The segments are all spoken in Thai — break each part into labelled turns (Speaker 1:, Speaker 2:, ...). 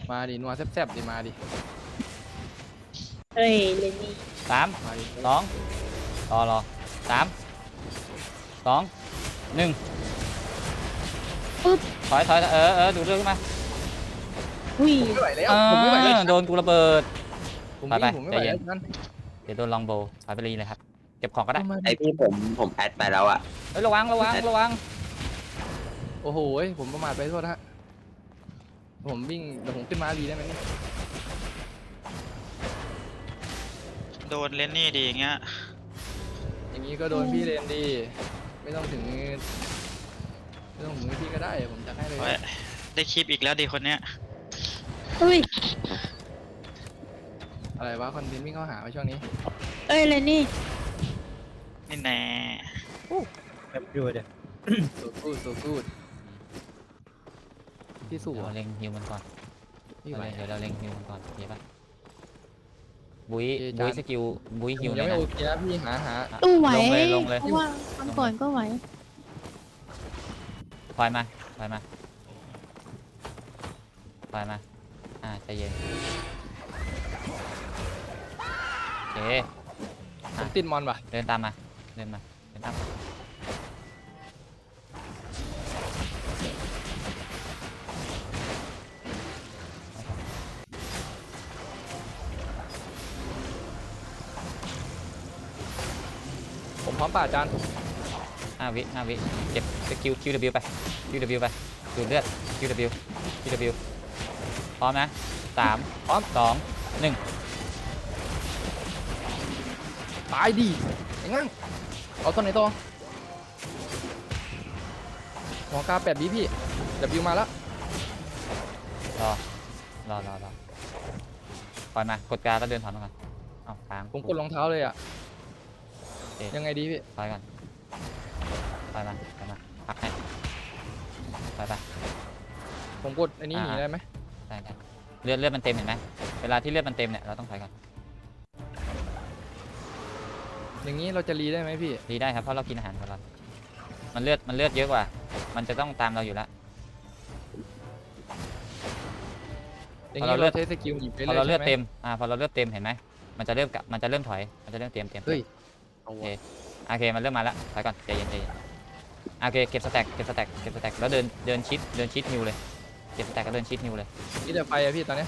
Speaker 1: มาดินัวแซ่บๆดิมาดิ
Speaker 2: เฮ้ยเลนนี่
Speaker 3: สาม
Speaker 1: มาดิ
Speaker 3: สองรอสามสองหนึ่ง
Speaker 2: ปึ๊บ
Speaker 3: ถอยดูเรื่องขึ้นมา
Speaker 2: หุ้ย
Speaker 1: ผมไม่ไหวแล้วผมไม่ไหวแล้ว
Speaker 3: โดนกูระเบิด
Speaker 1: ผม
Speaker 3: ไป
Speaker 1: ผมไม่ไหว
Speaker 3: ใจเย็
Speaker 1: แล้
Speaker 3: น
Speaker 1: วนั่น
Speaker 3: เดี๋ยวโดนลองโบถอยไปรีเลยครับเก็บของก็ได้
Speaker 4: ไอพี่ผมแอดไปแล้วอ่ะ
Speaker 3: เฮ้ยระวัง
Speaker 1: โอ้โหผมประมาทไปโทษนะฮะผมวิ่งเดี๋ยวผมขึ้นมาดีได้ไหมนี่
Speaker 5: โดนเลนนี่ดีอย่างเงี้ย
Speaker 1: อย่างนี้ก็โดนพี่เลนดีไม่ต้องถึงพี่ก็ได้ผมจะให้เลย
Speaker 5: โอ้ยได้คลิปอีกแล้วดีคนเนี้ย
Speaker 2: อุ้ย
Speaker 1: อะไรวะคอนเทนต์วิ่งเข้าหาช่วงนี้
Speaker 2: เอ้ยเลนนี่
Speaker 5: นี่แน่
Speaker 6: แบบดูเดี๋ยว
Speaker 1: so good พี่สู้
Speaker 3: เดี๋ยวเล็งฮิวมันก่อน
Speaker 1: พี่ไหว
Speaker 3: เดี๋ยวเราเล็งฮิวมันก่อนเห็นปะบุ้ย
Speaker 1: เอ๊ะจาน
Speaker 3: สกิลบุ้ยฮิว
Speaker 1: ผม
Speaker 3: เล
Speaker 1: ยัง
Speaker 3: ย
Speaker 1: ไม่
Speaker 3: นะ
Speaker 1: โอเคนะพี่หา
Speaker 2: ตู้ไหว
Speaker 3: ลงเลย
Speaker 2: เพราะว่าคำก่อนก็ไหว
Speaker 3: ถอยมาใจเย็นโอเค
Speaker 1: ผมติดมอนป่ะ
Speaker 3: เดินตามมาเดินตามมา
Speaker 1: ผมพร้อมป่ะอาจารย์
Speaker 3: 5 วิเก็บสกิล QW ไป QW ไปดูดเลือด QW พร้อมนะ3
Speaker 1: พร้อม
Speaker 3: 2 1
Speaker 1: ตายดียังไงเอาต้นไหนต่อหัวกา8วิพี่Wมาแล้ว
Speaker 3: รอปล่อยมากดการแล้วเดินถอนมาก่อนเอ้าค้าง
Speaker 1: ผมกดรองเท้าเลยอ่ะ
Speaker 3: เอ๊ะ
Speaker 1: ยังไงดีพี่
Speaker 3: ถอยก่อนถอยมาพักให้ถอยไป
Speaker 1: ผมกดอันนี้หนีได้ไหม
Speaker 3: ได้เลือดมันเต็มเห็นไหมเวลาที่เลือดมันเต็มเนี่ยเราต้องถอยก่อน
Speaker 1: อย่างนี้เราจะรีได้ไหมพี่
Speaker 3: ดีได้ครับเพราะเรากินอาหารของเรามันเลือดเยอะกว่า มันจะต้องตามเราอยู่แล้ว
Speaker 1: อย่างนี้เราใช้สกิลหยิบไป
Speaker 3: พอ
Speaker 1: เลย
Speaker 3: เราเลือด
Speaker 1: ใช่ไหม
Speaker 3: เต็มพอเราเลือดเต็มเห็นไหมมันจะเริ่มถอยมันจะเริ่มเต็ม
Speaker 1: เฮ้ย
Speaker 3: โอเคมันเริ่มมาแล้วถอยก่อนใจเย็นโอเคเก็บสแต็กแล้วเดินชิดนิวเลยเก็บสแต็กก็เดินชิดนิวเลย
Speaker 1: นี่จะไปอะพี่ตอนเนี้ย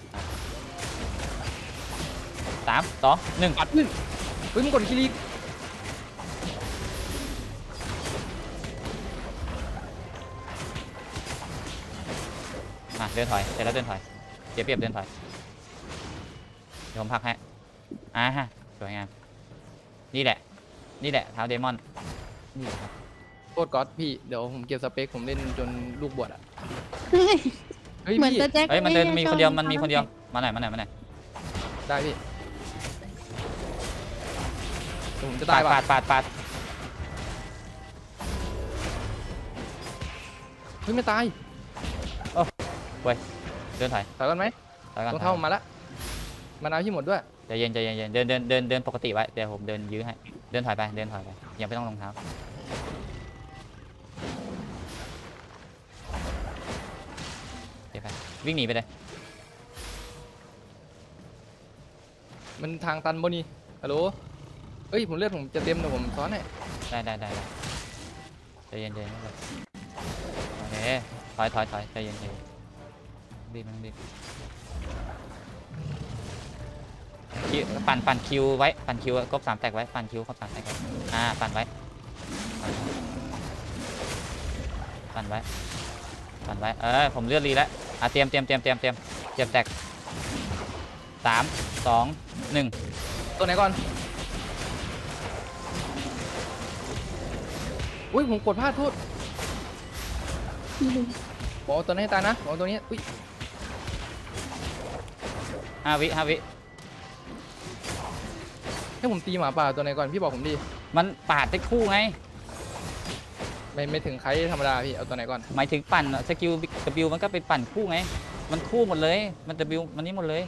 Speaker 3: 3 2 1
Speaker 1: ปัดขึ้นเฮ้ยมึงกดคิริ
Speaker 3: เดินถอยเสร็จแล้วเดินถอยเสียเปรียบเดินถอยเดี๋ยวผมพักให้ฮะสวยงามนี่แหละเท้าเดมอนนี่ครับ
Speaker 1: โคตรก๊อตพี่เดี๋ยวผมเก็บสเปคผมเล่นจนลูกบวชอะ
Speaker 2: เฮ้ย
Speaker 1: เฮ้ย
Speaker 2: เหมือน
Speaker 1: พี่
Speaker 2: ตะแจ็ค
Speaker 3: เฮ้ยมันเดินมีคนเดียว
Speaker 2: ไ
Speaker 3: มาหน่อย
Speaker 1: ได้พี่เดี๋ยวผมจะตายว่ะ
Speaker 3: ปาด
Speaker 1: เฮ้ยไม่ตาย
Speaker 3: เดินถอย
Speaker 1: ถอยกันไหม
Speaker 3: ถอยก่อน
Speaker 1: รองเท้าผมมาละมานาวพี่หมดด้วย
Speaker 3: ใจเย็นเดินปกติไว้เดี๋ยวผมเดินยื้อให้เดินถอยไปยังไม่ต้องรองเท้าเดี๋ยวไปวิ่งหนีไปเลย
Speaker 1: มันทางตันบนี่ฮัลโหลเฮ้ยผมเลือดผมจะเต็มเดี๋ยวผมซ้อนให้
Speaker 3: ได้ใจเย็นไม่เป็นโอเคถอยใจเย็นรีบมันรีบคิวปั่นคิวไว้ปั่นคิวครบ3แตกไว้ปั่นคิวครบ3แตกไว้ปั่นไว้ผมเลือดรีแล้วเตรียมแตก3 2 1
Speaker 1: ตัวไหนก่อนอุ้ยผมกดพลาดโทษบอกเอาตัวนี้ให้ตายนะบอกเอาตัวนี้อุ้ย
Speaker 3: 5 วิ
Speaker 1: ให้ผมตีหมาป่าตัวไหนก่อนพี่บอกผมดี
Speaker 3: มันปาดได้คู่ไง
Speaker 1: ไม่ถึงใครธรรมดาพี่เอาตัวไหนก่อน
Speaker 3: หมายถึงปั่นสกิล W มันก็เป็นปั่นคู่ไงมันคู่หมดเลยมัน W มันนี้หมดเลย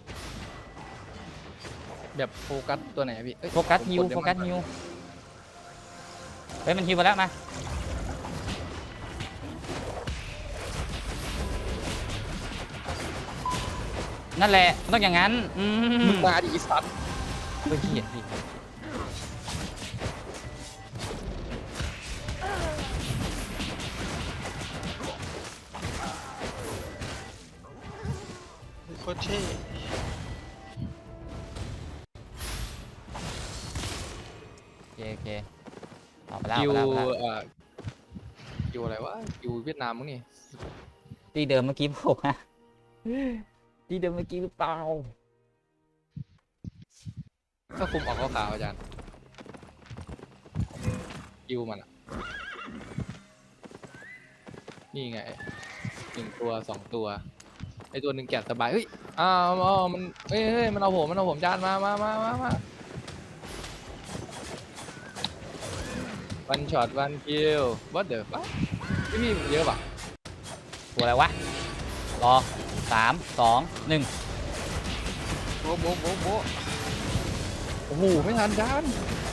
Speaker 1: แบบโฟกัสตัวไหนอะพี่เอ้ย
Speaker 3: โฟกัส
Speaker 1: ผม
Speaker 3: ฮิว
Speaker 1: ดเดมอน
Speaker 3: เฮ้ยมันฮิวมาแล้วมานั่นแหละมันต้องอย่างนั้น
Speaker 1: มึงมาดิอีสัตว์
Speaker 3: เฮ้ยเหี้ยพี่
Speaker 5: โคตรเท่
Speaker 3: โอเคออกไปแล้ว
Speaker 1: คิว
Speaker 3: ออกไปแล้ว
Speaker 1: คิวอะไรวะคิวเวียดนามมั้งนี่
Speaker 3: ที่เดิมเมื่อกี้ผมอะที่เดิมเมื่อกี้หรือเปล่า
Speaker 1: ก็คุมออกขาวๆอาจารย์คิวมันอะนี่ไง1 ตัว 2 ตัวไอตัวหนึ่งแกะสบายเฮ้ยมันเฮ้ยมันเอาผมจานมาวันช็อตวันคิววัดเดอร์ปะพี่เยอะปะ
Speaker 3: ตัวอะไรวะรอ3 2 1
Speaker 1: โบ๊ะโอ้โหไม่ทันจาน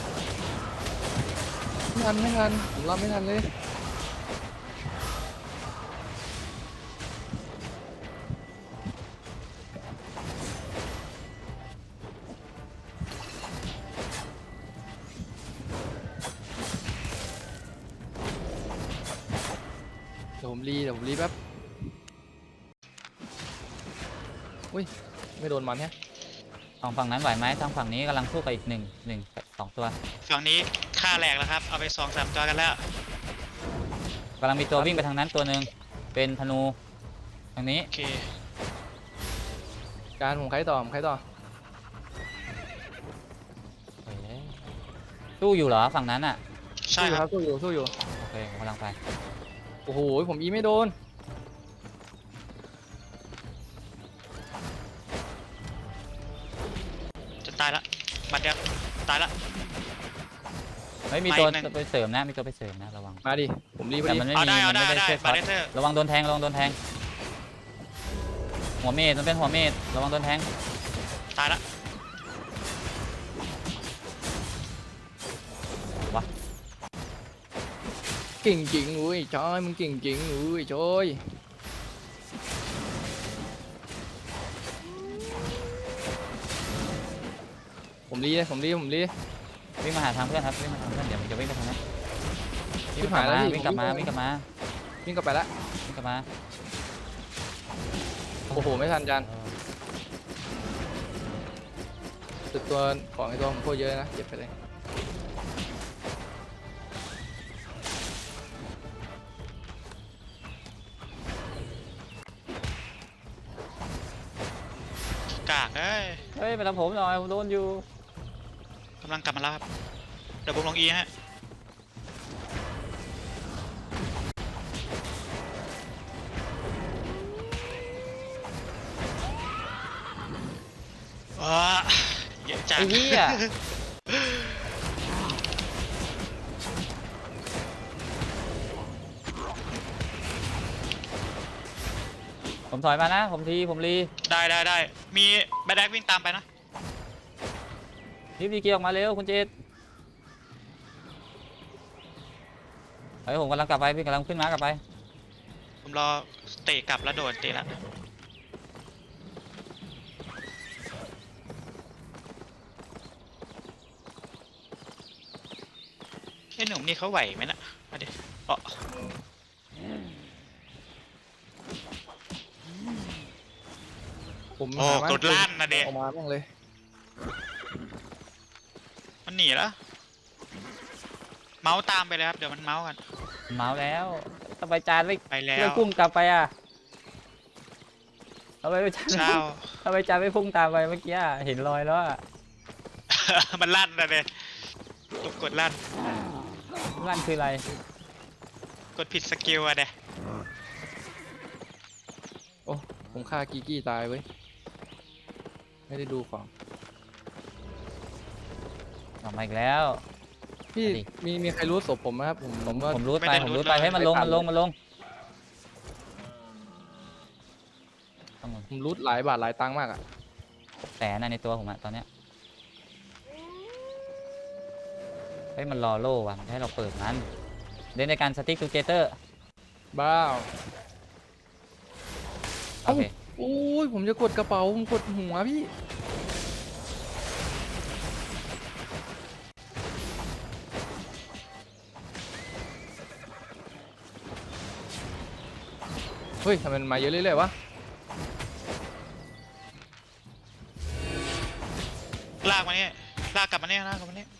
Speaker 1: ไม่ทันผมรับไม่ทันเลยเดี๋ยวผมรีแป๊บอุ้ยไม่โดนมันแฮะ
Speaker 3: ฝั่งนั้นไหวไหมทางฝั่งนี้กำลังสู้กับอีก1 2 ตัว
Speaker 5: ฝั่งนี้ค่าแหลกแล้วครับ เอาไป2-3 ตัวกันแล้ว
Speaker 3: กำลังมีตัววิ่งไปทางนั้นตัวหนึ่งเป็นธนูทางนี้
Speaker 5: โอเค
Speaker 1: การผมใครต่อ
Speaker 3: เฮ้ยสู้อยู่เหรอฝั่งนั้นอ่ะ
Speaker 5: ใช่ครับ
Speaker 1: สู้อยู่
Speaker 3: โอเคผมกำลังไป
Speaker 1: โอ้โหผมอีไม่โดน
Speaker 5: จะตายละบัดเดียวตายละ
Speaker 3: เฮ้ยมีตัว
Speaker 5: มาอีกหนึ่ง
Speaker 3: ไปเสริมนะมีตัวไปเสริมนะระวัง
Speaker 1: มาดิผมรีบไป
Speaker 3: แต่
Speaker 1: ดิ
Speaker 3: มันไม่
Speaker 5: เอา
Speaker 3: มี
Speaker 5: ได้
Speaker 3: มันไม่ได้
Speaker 5: ได้
Speaker 3: ช่วย
Speaker 5: บา
Speaker 3: ฟัด
Speaker 5: เดเตอร์
Speaker 3: ระวังโดนแทงหัวเมดมันเป็นหัวเมดระวังโดนแทง
Speaker 5: ตายละ
Speaker 1: เก่งจริงอุ้ยจอยมึงเก่งจริงอุ้ยจอยผมรี
Speaker 3: วิ่งมาหาทางเพื่อนครับวิ่งมาทางเพื่อนเดี๋ยวมันจะวิ่งไปทางนั้น
Speaker 1: ชิบหายแล้วพี่
Speaker 3: วิ่งกลับมา
Speaker 1: ผมวิ่
Speaker 3: วิ่
Speaker 1: ง
Speaker 3: งกลับมา
Speaker 1: วิ่งกลับไปละ
Speaker 3: วิ่งกลับมา
Speaker 1: โอ้โหไม่ทันจานสุดตัวของไอ้ตัวผมโคตรเยอะนะเก็บไปเลย
Speaker 5: กากเอ้ย
Speaker 3: เฮ้ยมาทำผมหน่อยผมโดนอยู่
Speaker 5: กำลังกลับมาแล้วครับ เดี๋ยวผมลงอีฮะ เยอะจัง
Speaker 3: ไอ้เหี้ยผมถอยมานะผมรี
Speaker 5: ได้มีแบดแดกวิ่งตามไปนะ
Speaker 3: รีบดีเกียร์ออกมาเร็วคุณเจษเฮ้ยผมกำลังกลับไปพี่กำลังขึ้นม้ากลับไป
Speaker 5: ผมรอเตะกลับแล้วโดดเตะแล้วไอ้หนุ่มนี่เขาไหวไหมนะมาดิอ๋อ
Speaker 1: ผม
Speaker 5: โอ้
Speaker 1: หาบ้าน
Speaker 5: กดลั่นนะเด็ก
Speaker 1: ออกมาบ้างเลย
Speaker 5: มันหนีแล้ว เมาส์ตามไปเลยครับ เดี๋ยวมันเมาส์กัน
Speaker 3: เมาแล้วทำไมจานไม่
Speaker 5: ไปแล้
Speaker 3: ไม่
Speaker 5: ว
Speaker 3: พุ่งกลับไปอ่ะทำไมจาน
Speaker 5: เช้า
Speaker 3: ทำไมจานไม่พุ่งตามไปเมื่อกี้อะเห็นรอยแล้วอ่ะ
Speaker 5: มันลั่นนะเด็กตุกกดลั่น
Speaker 3: นั่นคืออะไร
Speaker 5: กดผิดสกิลอะเด็ก
Speaker 1: โอ้ผมฆ่ากีกี้ตายเว้ยไม่ได้ดูของ
Speaker 3: ออกมาอีกแล้ว
Speaker 1: พี่
Speaker 3: มาดิ
Speaker 1: มีใครรู้ศพผมไหมครับผมว่า
Speaker 3: ผมรูดไปให้มันลงต้อง
Speaker 1: ผมรูดหลายบาทหลายตังค์มากอ่ะ
Speaker 3: แสนในตัวผมอะตอนเนี้ยเฮ้ยมันรอโล่ว่ะมันให้เราเปิดมันเล่นในการสติ๊กทูเกเตอร์
Speaker 1: บ้าว
Speaker 3: โอเค
Speaker 1: โอ้ยผมจะกดกระเป๋าผมกดหัวพี่เฮ้ยทำไมมันมาเยอะเรื่อยๆวะ
Speaker 5: ลากมานี่ลากกลับมานี่ลากกลับมานี่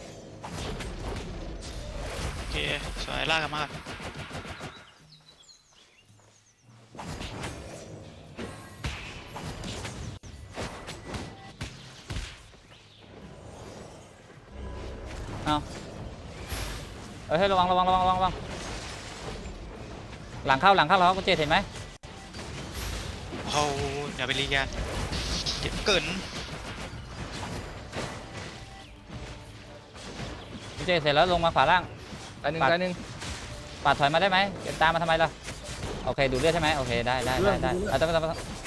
Speaker 5: โอเคสวยลากกลับมาก่อน
Speaker 3: เอาเฮ้ยระวังระวังระวังระวังระวังหลังเข้าแล้วคุณเจเห็นไหม
Speaker 5: โอ้โหเดี๋ยวไปรีแกนเจ็บเกิน
Speaker 3: คุณเจเสร็จแล้วลงมาขวาล่าง
Speaker 1: ตายหนึ่ง
Speaker 3: ปัด
Speaker 1: ตายหนึ่ง
Speaker 3: ปาดถอยมาได้ไหมเก็บตามมาทำไมล่ะโอเคดูดเลือดใช่ไหมโอเคได้ได้ได้ได้เอาต้อง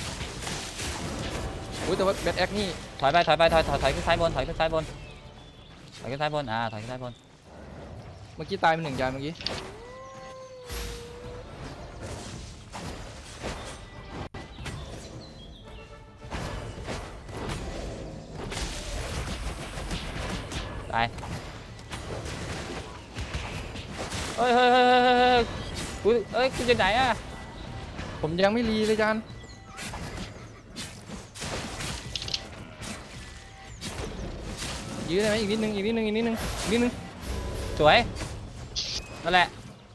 Speaker 1: อุ้ยแต่ว่าแบทแอคนี่
Speaker 3: ถอยขึ้นซ้ายบนถอยขึ้นซ้ายบนถอยขึ้นซ้ายบนถอยขึ้นซ้ายบน
Speaker 1: เมื่อกี้ตายไปหนึ่งจานเมื่อกี้
Speaker 3: ตายเฮ้ยคุณจะไหนอ่ะ
Speaker 1: ผมยังไม่รีเลยจานยื้อได้ไหมอีกนิดนึงอีกนิดนึงอีกนิดนึงอีกนิดนึง
Speaker 3: สวยนั่นแหละ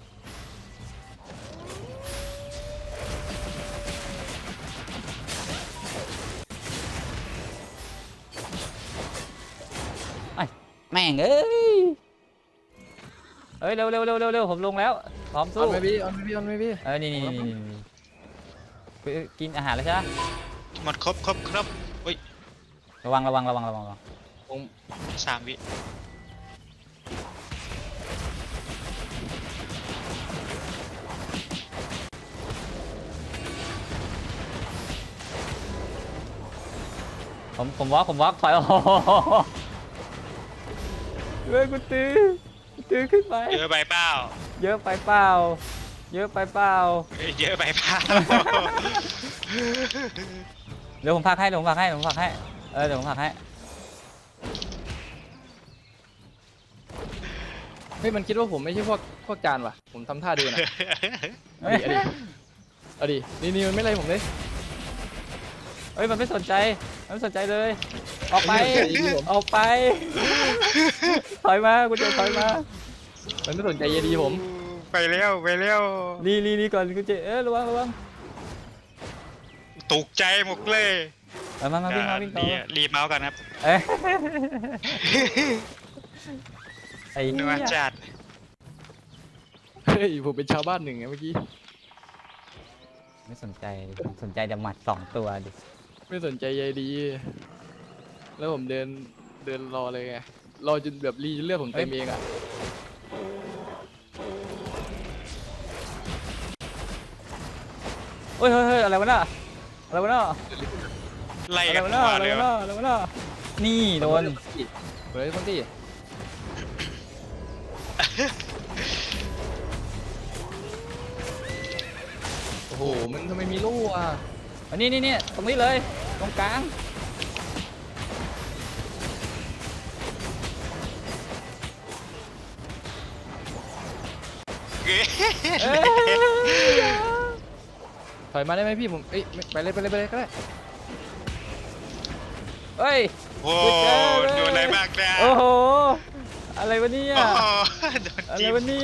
Speaker 3: แม่งเอ้ยเร็วผมลงแล้วพร้อม
Speaker 1: อ
Speaker 3: สู้
Speaker 1: อนไม่พี่ออนไม่พี่ออนไม่พี่
Speaker 3: นี่กินอาหารแล้วใช่ไหม
Speaker 5: หมดครบอุ้ย
Speaker 3: ระวัง
Speaker 1: ผม
Speaker 5: 3 วิ
Speaker 3: ผมวอล์กถอยโอ้โหเฮ้ยกูตื้อขึ้นไป
Speaker 5: เยอะไปเปล่า
Speaker 3: เยอะไปเปล่า
Speaker 5: เยอะไปเปล่า
Speaker 3: เดี๋ยวผมพักให้เดี๋ยวผมพักให้เดี๋ยวผมพักให้
Speaker 1: เฮ้ยมันคิดว่าผมไม่ใช่พวกจานว่ะผมทำท่าเดินอ่ะเอาดินี่มันไม่ไรผมเลย
Speaker 3: เฮ้ยมันไม่สนใจเลย ออกไปถอยมากูจะถอยมา
Speaker 1: มันไม่สนใจเยดีผม
Speaker 5: ไปเร็ว
Speaker 3: รีก่อนกูจะระวัง
Speaker 5: ตกใจหมดเลย
Speaker 3: มาวิ่งต่อ
Speaker 5: รีเมาส์กันครับ
Speaker 3: เอ้ยไอ้
Speaker 5: นัวจัด
Speaker 1: เฮ้ยผมเป็นชาวบ้านหนึ่งไงเมื่อกี้
Speaker 3: ไม่สนใจแต่หมัด2 ตัวดิ
Speaker 1: ไม่สนใจใยดี แล้วผมเดินรอเลยไงรอจนแบบรีจนเลือดผมเต็มเองอ่ะ
Speaker 3: เฮ้ยอะไรวะน่ะ
Speaker 5: ไล่กันมาเลย
Speaker 3: นี่โดน
Speaker 1: เฮ้ยคนที่โอ้โหมันทำไมมีลูกอ่ะ
Speaker 3: อันนี้ตรงนี้เลยตรงกลาง
Speaker 1: ถอยมาได้ไหมพี่ผมเอ้ยไปเลยก็ได้
Speaker 3: เฮ้ย
Speaker 5: โอ้โดนอะไรบ้างเนี่ย
Speaker 3: โอ้โหอะไรวะเนี่ย
Speaker 5: โอ้โหโดน
Speaker 3: อะไร
Speaker 5: จิ้ม
Speaker 3: วะเนี่ย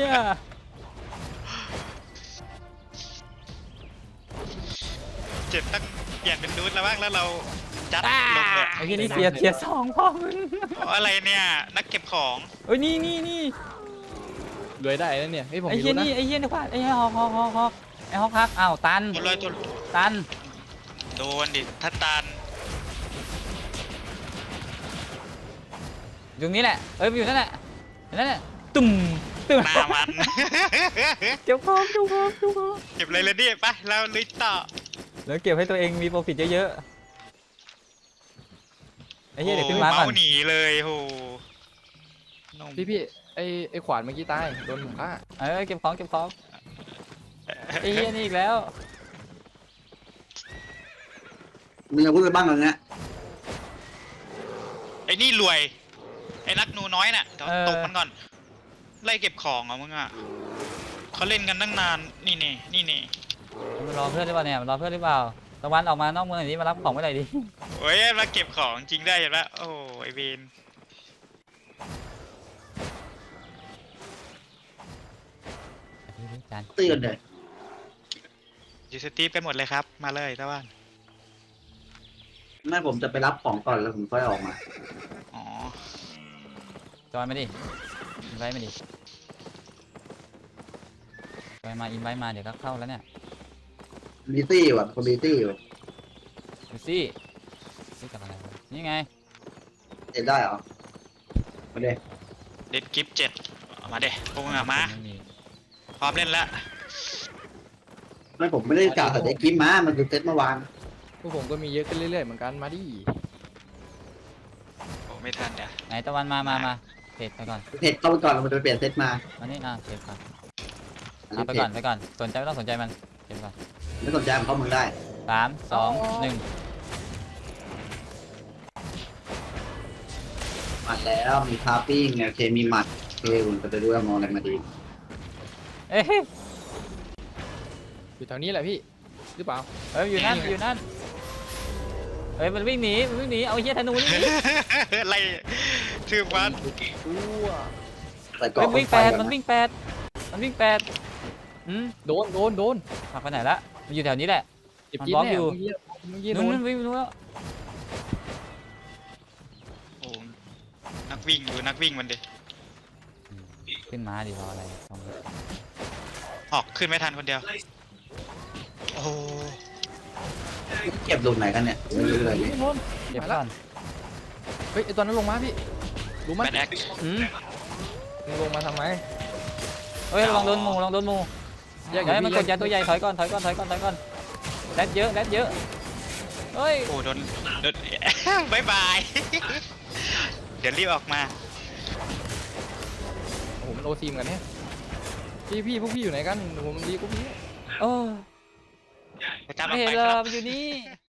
Speaker 5: เจ็บตั้งเปลี่ยนเป็นนูดแล้วบ้างแล้วเราจัดลงเลย
Speaker 3: ไอ้ที่นี่เสีย2 พ่อมึง
Speaker 5: อะไรเนี่ยนักเก็บของ
Speaker 3: เอ้ยนี่
Speaker 1: รวยได้นะเนี่ยเฮ้ยผม
Speaker 3: ไอ้
Speaker 1: ไม่
Speaker 3: เหี้ย
Speaker 1: รู้นะ
Speaker 3: นี่ไอ้เหี้ยนี่ขวาไอ้เหี้ยฮอกไอ้ฮอกพักอ้าวตัน
Speaker 5: ตัวเลยตัว
Speaker 3: ตัน
Speaker 5: โดนดิทัดตัน
Speaker 3: อยู่นี้แหละมันอยู่นั่นแหละตุ่ม
Speaker 5: หน้ามัน
Speaker 3: เก็บของ
Speaker 5: เก็บเลยเลยดิไปเราลุยต่อ
Speaker 3: แล้วเก็บให้ตัวเองมีโปรฟิตเยอะๆไอ้เหี้ยเดี๋ยวขึ้นมาก่อน
Speaker 5: เมาหนีเลยโหนม
Speaker 1: พี่ไอ้ขวานเมื่อกี้ตายโดนผมฆ่า
Speaker 3: เก็บของ ไอ้เหี้ยนี่อีกแล้ว
Speaker 4: มีอะไรพูดไปบ้างตอนเนี้ย
Speaker 5: ไอ้นี่รวย ไอ้นักหนูน้อยน่ะเดี๋ยวตบมันก่อน ไล่เก็บของเหรอมึงอ่ะเขาเล่นกันตั้งนาน นี่นี่นี่นี่
Speaker 3: มันรอเพื่อนหรือเปล่าเนี่ยมันรอเพื่อนหรือเปล่าตะวันออกมานอกเมืองหน่อยดิมารับของไว้หน่อยดิ
Speaker 5: โอ้ยมาเก็บของจริงได้เห็นปะโอ้ไอเวน
Speaker 3: จาน
Speaker 4: ตีกันเลย
Speaker 5: ยูสตีฟไปหมดเลยครับ มาเลยตะวัน
Speaker 4: ไม่ผมจะไปรับของก่อนแล้วผมค่อยออกมา
Speaker 5: อ๋อ
Speaker 3: จอยมาดิอินไว้มาดิจอยมาอินไว้มาเดี๋ยวก็เข้าแล้วเนี่ย
Speaker 4: บีตี้ว่ะคนบีตี้อยู่
Speaker 3: ดูสินี่กับอะไรวะนี่ไง
Speaker 4: เห็นได้เหรอมาเด้
Speaker 5: เด็ดกิฟต์7มาเด้พวกมึงอะมา
Speaker 3: ไมี
Speaker 5: พร้อมเล่นแล้ว
Speaker 4: ไม่ผมไม่ได้กล่าวแต่ได้กิมมามันคือเซตเมื่อวาน
Speaker 1: พวกผมก็มีเยอะขึ้นเรื่อยๆเหมือนกันมาดิ
Speaker 5: โอ้ไม่ทันเดี๋ยว
Speaker 3: ไหนตะวันมาเพจไปก่อน
Speaker 4: เพจเข้าไปก่อนเราจะไปเปลี่ยนเซตมา
Speaker 3: มานี่เพจก่อน
Speaker 4: อัน
Speaker 3: เอา
Speaker 4: นี้
Speaker 3: ไป
Speaker 4: เพ
Speaker 3: ก่อ
Speaker 4: จ
Speaker 3: นไปก่อนสนใจไม่ต้องสนใจมันเพจก่อน
Speaker 4: ไม่สนใจมันเข้ามึงได้
Speaker 3: 3 2 1
Speaker 4: หมัดแล้วมีคาปิ้งโอเคมีหมัดโอเคคุณก็จะดูว่ามองอะไรมาดี
Speaker 3: เอ้ย
Speaker 1: อยู่แถวนี้แหละพี่หรือเปล่า
Speaker 3: เฮ้ยอยู่นั่นอยู่นั่นเฮ้ยมันวิ่งหนีเอาไอ้เหี้ยธนูนี่หนี
Speaker 5: ไล่ชื่อวัน
Speaker 1: ตัว
Speaker 4: ใส่กร
Speaker 3: เฮ้
Speaker 4: อย บ
Speaker 3: วิ่ง
Speaker 4: ไฟ
Speaker 3: 8
Speaker 4: ก่อ
Speaker 3: มัน
Speaker 4: นะ
Speaker 3: วิ่ง8มันวิ่ง8
Speaker 1: โดน
Speaker 3: พักไปไหนละมันอยู่แถวนี้แหละ
Speaker 1: เจ็บ
Speaker 3: มัน
Speaker 1: จี๊ด
Speaker 3: บล็อก
Speaker 1: แน่
Speaker 3: อยู่
Speaker 1: เมื่อกี้โด
Speaker 3: นู้
Speaker 1: น
Speaker 3: นวิ่งนู้นแล้ว
Speaker 5: โอ้นักวิ่งอยู่นักวิ่งมันดิ
Speaker 3: ขึ้นมาดิรออะไรต้อง
Speaker 5: ออกขึ้นไม่ทันคนเดียว โอ้
Speaker 4: เก็บหลุมไหนกันเนี่ยไม่รู้เลยนี่
Speaker 3: เก็บ
Speaker 1: มา
Speaker 3: ก่
Speaker 1: แล้ว
Speaker 3: อน
Speaker 1: เฮ้ยไอตัวนั้นลงมาพี่รู้ไหม
Speaker 5: แบดแอค
Speaker 1: มึงลงมาทำไม
Speaker 3: เฮ้ยลองโดนหมู
Speaker 1: แยก
Speaker 3: เฮ้ยมันกด
Speaker 1: พี่
Speaker 3: ยาตัวใหญ่ถอยก่อนแรดเยอะเฮ้ย
Speaker 5: โอ้โดน บายบาย เดี๋ยวรีบออกมา
Speaker 1: โอ้โหมันโอซีมกันเนี่ยพี่พวกพี่อยู่ไหนกันผมดีกว่าพี่
Speaker 3: โอ้
Speaker 5: ไปตามอ
Speaker 3: ไม่
Speaker 5: อก
Speaker 3: เห็น
Speaker 5: ไป
Speaker 3: เล
Speaker 5: ค
Speaker 3: ย
Speaker 5: รับ
Speaker 3: มันอยู่นี่